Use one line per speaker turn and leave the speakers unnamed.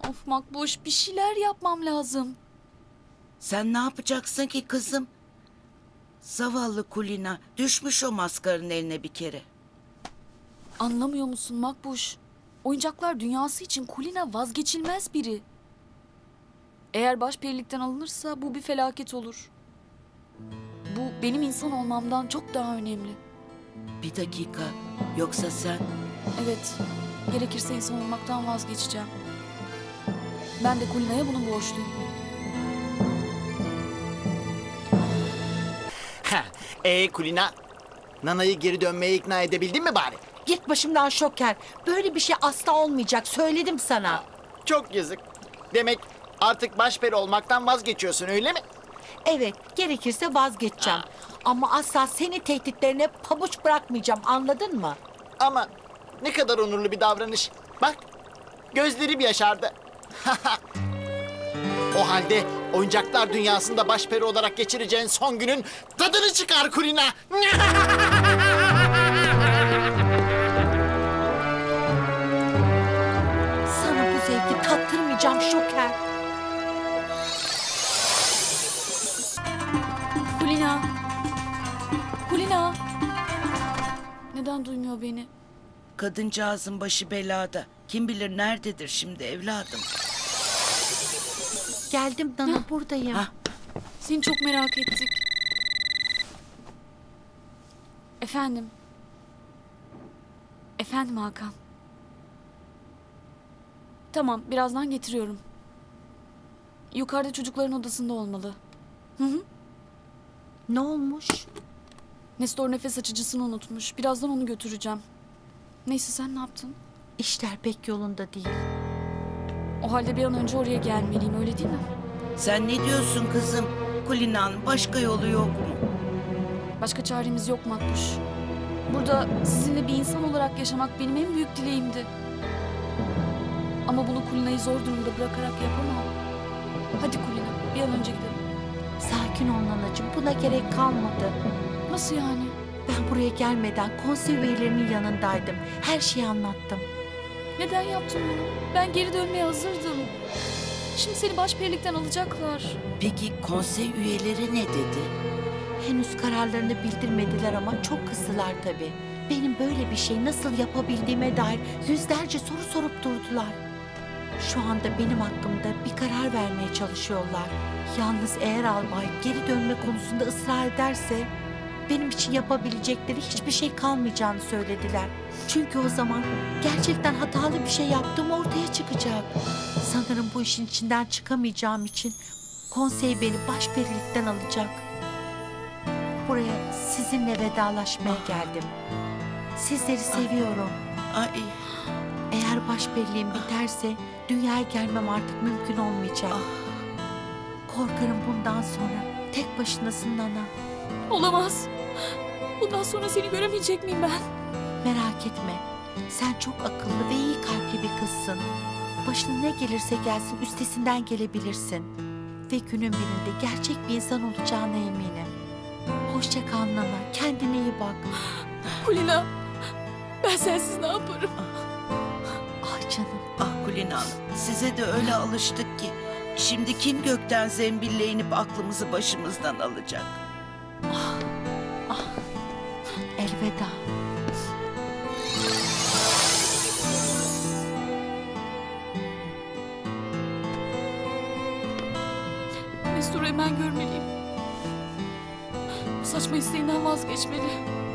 Of Makbuş, bir şeyler yapmam lazım.
Sen ne yapacaksın ki kızım? Zavallı Kulina düşmüş o maskarın eline bir kere.
Anlamıyor musun Makbuş? Oyuncaklar dünyası için Kulina vazgeçilmez biri. Eğer başperilikten alınırsa bu bir felaket olur. Bu benim insan olmamdan çok daha önemli.
Bir dakika, yoksa sen...
Evet, gerekirse insan olmaktan vazgeçeceğim. Ben de Kulina'ya bunu borçluyum.
Kulina, Nana'yı geri dönmeye ikna edebildin mi bari?
Git başımdan Şoker. Böyle bir şey asla olmayacak. Söyledim sana.
Çok yazık. Demek artık başperi olmaktan vazgeçiyorsun, öyle mi?
Evet, gerekirse vazgeçeceğim. Ama asla seni tehditlerine pabuç bırakmayacağım. Anladın mı?
Ama ne kadar onurlu bir davranış. Bak, gözlerim yaşardı. O halde oyuncaklar dünyasında başperi olarak geçireceğin son günün tadını çıkar Kulina.
Sana bu zevki tattırmayacağım Şoker.
Kulina! Kulina! Neden duymuyor beni?
Kadıncağızın başı belada. Kim bilir nerededir şimdi evladım.
Geldim Nana, buradayım.
Hah.
Seni çok merak ettik. Efendim? Efendim Hakan? Tamam, birazdan getiriyorum. Yukarıda çocukların odasında olmalı. Hı hı.
Ne olmuş?
Nestor nefes açıcısını unutmuş. Birazdan onu götüreceğim. Neyse, sen ne yaptın?
İşler pek yolunda değil.
O halde bir an önce oraya gelmeliyim, öyle değil mi?
Sen ne diyorsun kızım? Kulina'nın başka yolu yok mu?
Başka çaremiz yok Makbuş. Burada sizinle bir insan olarak yaşamak benim en büyük dileğimdi. Ama bunu Kulina'yı zor durumda bırakarak yapamam. Hadi Kulina, bir an önce gidelim.
Sakin ol Nanacığım, buna gerek kalmadı.
Nasıl yani?
Ben buraya gelmeden konsey üyelerinin yanındaydım. Her şeyi anlattım.
Neden yaptın bunu? Ben geri dönmeye hazırdım. Şimdi seni başperilikten alacaklar.
Peki konsey üyeleri ne dedi?
Henüz kararlarını bildirmediler ama çok kızdılar tabii. Benim böyle bir şey nasıl yapabildiğime dair yüzlerce soru sorup durdular. Şu anda benim hakkımda bir karar vermeye çalışıyorlar. Yalnız eğer albay geri dönme konusunda ısrar ederse benim için yapabilecekleri hiçbir şey kalmayacağını söylediler. Çünkü o zaman gerçekten hatalı bir şey yaptığım ortaya çıkacak. Sanırım bu işin içinden çıkamayacağım için konsey beni başperilikten alacak. Buraya sizinle vedalaşmaya geldim. Sizleri seviyorum.
Ay,
Eğer başperiliğim biterse dünyaya gelmem artık mümkün olmayacak. Korkarım bundan sonra tek başınasın Nana.
Olamaz. Bundan sonra seni göremeyecek miyim ben?
Merak etme. Sen çok akıllı ve iyi kalpli bir kızsın. Başına ne gelirse gelsin üstesinden gelebilirsin. Ve günün birinde gerçek bir insan olacağına eminim. Hoşça kal Nana. Kendine iyi bak.
Kulina, ben sensiz ne yaparım?
Ah canım.
ah Kulina Hanım, size de öyle alıştık ki. Şimdi kim gökten zembille inip aklımızı başımızdan alacak?
Elveda.
Nestor'u hemen görmeliyim. Bu saçma isteğinden vazgeçmeli.